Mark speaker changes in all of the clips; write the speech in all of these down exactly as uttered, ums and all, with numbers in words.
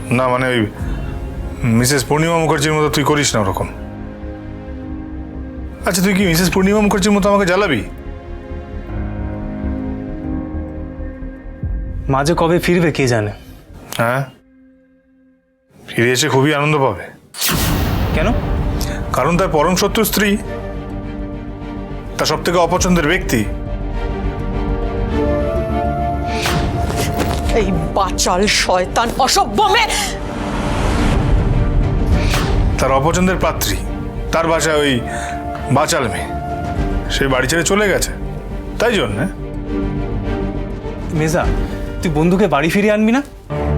Speaker 1: না মানে ওই মিসেস পূর্ণিমা মুখার্জির মতো তুই করিস না ওরকম। আচ্ছা তুই কি মিসেস পূর্ণিমা মুখার্জির মতো আমাকে জ্বালাবি?
Speaker 2: মাঝে কবে ফিরবে কে জানে।
Speaker 1: হ্যাঁ, ফিরে এসে খুবই আনন্দ পাবে।
Speaker 2: কেন?
Speaker 1: কারণ তার পরম শত্রু স্ত্রী, তার সব থেকে অপছন্দের ব্যক্তি,
Speaker 3: এই বাচাল শয়তান অসভ্য মেয়ে,
Speaker 1: তার অপছন্দের পাত্রী, তার বাসায় ওই বাচাল মেয়ে, সে বাড়ি ছেড়ে চলে গেছে। তাই জন্য
Speaker 2: মেজা, তুই বন্ধুকে বাড়ি ফিরিয়ে আনবি না?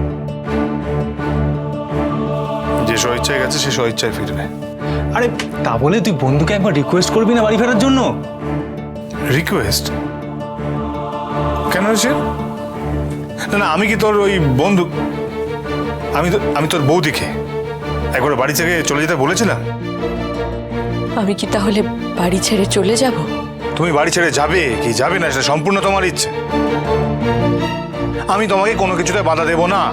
Speaker 1: যে স্বইচ্ছায় গেছে সে স্বইচ্ছায় ফিরবে।
Speaker 2: আরে তা বলে তুই বন্ধুকে একবার রিকোয়েস্ট করবি না বাড়ি ফেরার জন্য?
Speaker 1: রিকোয়েস্ট কেন সে? না না, আমি কি তোর ওই বন্ধু? আমি তো আমি তোর বৌদিকে একবার বাড়ি থেকে চলে যেতে বলেছিলাম?
Speaker 3: আমি কি তাহলে বাড়ি ছেড়ে চলে যাব?
Speaker 1: তুমি বাড়ি ছেড়ে যাবে কি যাবে না সেটা সম্পূর্ণ তোমার ইচ্ছে। আমি তোমাকে কোনো কিছুতে বাধা দেব না।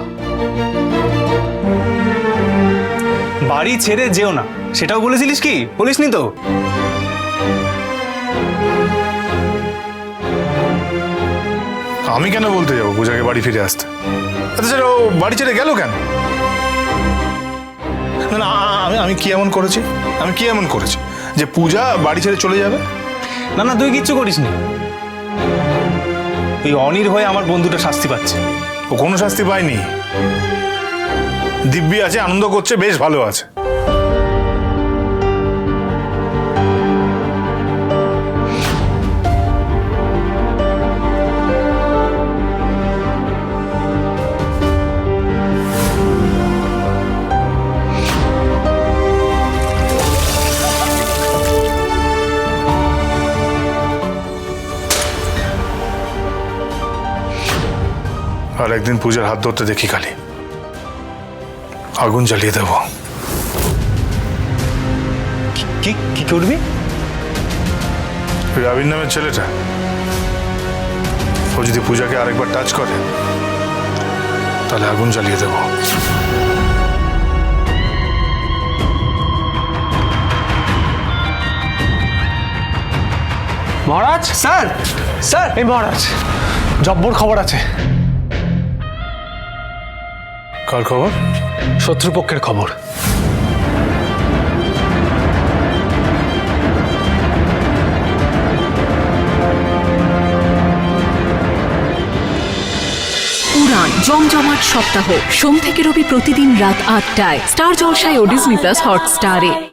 Speaker 2: বাড়ি ছেড়ে যেও না সেটাও বলেছিলিস কি? বলিসনি তো?
Speaker 1: আমি কেন বলতে যাবো পূজাকে বাড়ি ফিরে আসতে? আচ্ছা ও বাড়ি ছেড়ে গেল কেন? না না, আমি আমি কি এমন করেছি? আমি কি এমন করেছি যে পূজা বাড়ি ছেড়ে চলে যাবে?
Speaker 2: না না, তুই কিচ্ছু করিসনি। ওই অনির হয়ে আমার বন্ধুটা শাস্তি পাচ্ছে।
Speaker 1: ও কোনো শাস্তি পায়নি। দিব্যি আছে, আনন্দ করছে, বেশ ভালো আছে। আর একদিন পূজার হাত ধরতে দেখি খালি আগুন জ্বালিয়ে দেব।
Speaker 2: কি কি করবি?
Speaker 1: ওই আবির নামের ছেলেটা, ও যদি পূজাকে আরেকবার টাচ করে তাহলে আগুন জ্বালিয়ে দেব।
Speaker 2: মহারাজ, স্যার স্যার এই মহারাজ, জব্বর খবর আছে।
Speaker 1: কার খবর?
Speaker 2: শত্রুপক্ষের খবর।
Speaker 4: উড়ান জমজমাট সপ্তাহ সোম থেকে রবি প্রতিদিন রাত আটটায় স্টার জলসায় ও ডিজনি প্লাস হটস্টারে।